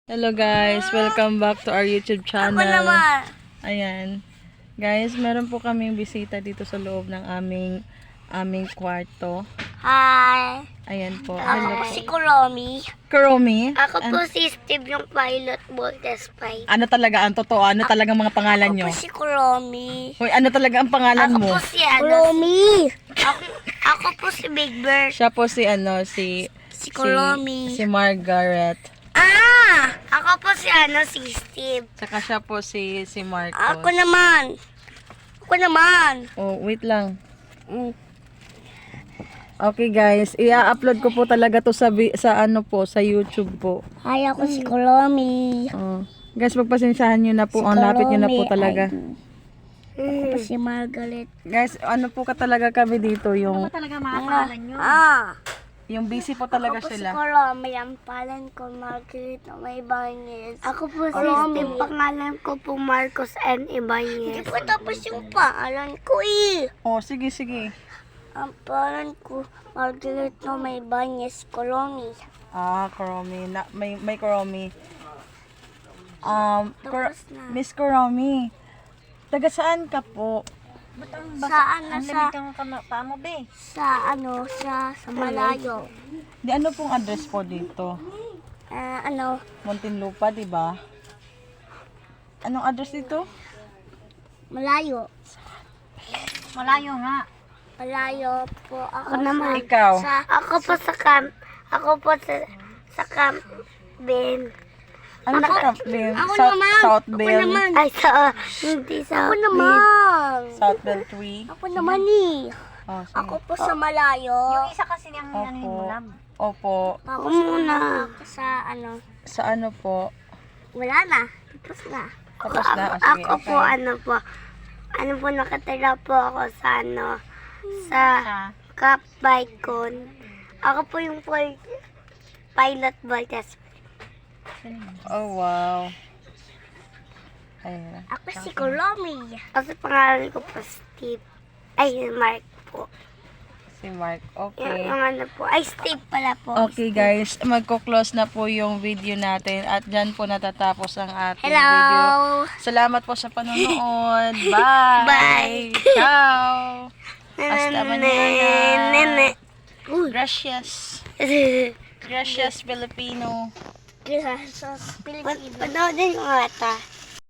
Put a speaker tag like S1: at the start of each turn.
S1: Hello guys, welcome back to our YouTube channel.
S2: Ako naman.
S1: Ayan. Guys, meron po kaming bisita dito sa loob ng aming kwarto.
S2: Hi.
S1: Ayan po.
S2: Ako
S1: Hello
S2: po
S1: po.
S2: si Kuromi.
S1: Kuromi.
S2: Ako po si Steve, yung pilot Voltes 5.
S1: Ano talaga ang totoo? Ano talaga mga pangalan nyo?
S2: Ako po si Kuromi.
S1: Hoy, ano talaga ang pangalan
S2: Ako
S1: mo?
S2: po si Kuromi. Ako po si Big Bird.
S1: Siya po si
S2: Kuromi.
S1: si Margaret.
S2: Ako po si si Steve.
S1: Saka siya po si Marcos.
S2: Ako naman.
S1: Oh, wait lang. Okay guys, i-upload ko po talaga to sa sa YouTube po.
S2: Hi, ako si Kuromi.
S1: Oh. Guys, pagpasensyahan nyo na po. Ang lapit nyo na po talaga.
S2: Ako po si Margaret.
S1: Guys, ano po ka talaga kami dito, yung
S2: Talaga mga pangalan nyo?
S1: yung busy po talaga
S2: Ako po
S1: sila.
S2: si Kuromi. Ang pangalan ko Margaret na may Ibanez. Ako po si Steve. Pangalan ko po Marcos N. Ibanez. Hindi po tapos yung pangalan ko
S1: Oh, sige.
S2: Ang pangalan ko Margaret na may Ibanez Kuromi.
S1: Kuromi. May Kuromi.
S2: Tapos na.
S1: Miss Kuromi. Taga saan ka po?
S2: Sa malayo.
S1: Di ano pong address po dito? Muntinlupa, di ba? Anong address dito?
S2: Malayo.
S3: Malayo nga.
S2: Malayo po. Ako
S1: naman. Ikaw?
S2: Ako po sa camp. Ako po sa camp. Ben.
S1: Ano na camp din?
S2: Ako naman.
S1: Southville.
S2: Ako naman. Ay, hindi sa Ako naman.
S1: Southville 3.
S2: Ako naman
S1: Oh, sige.
S2: Ako po sa malayo.
S3: Yung isa kasi niyang
S1: Opo.
S3: lab.
S1: Opo.
S2: Ako muna. Ako sa
S1: Sa ano po?
S2: wala na. Tapos na.
S1: Tapos na. Oh, sige, okay.
S2: Ano po nakatira po ako sa sa Cap Bicon. Ako po yung pilot Voltes.
S1: Oh, wow. Ayan.
S2: Ako si Kuromi. Kasi pangalan ko po Steve. Ay, Mark po.
S1: Si Mark. Okay.
S2: Yung ano po. Ay, Steve pala po.
S1: Okay guys, magko-close na po yung video natin at dyan po natatapos ang ating
S2: Hello.
S1: video. Salamat po sa panonood. Bye!
S2: Bye.
S1: Ciao! Hasta mañana.
S2: Nene.
S1: Gracias. Gracias, Filipino.
S2: Gracias, Pilipino. Panoodin ko nga ito.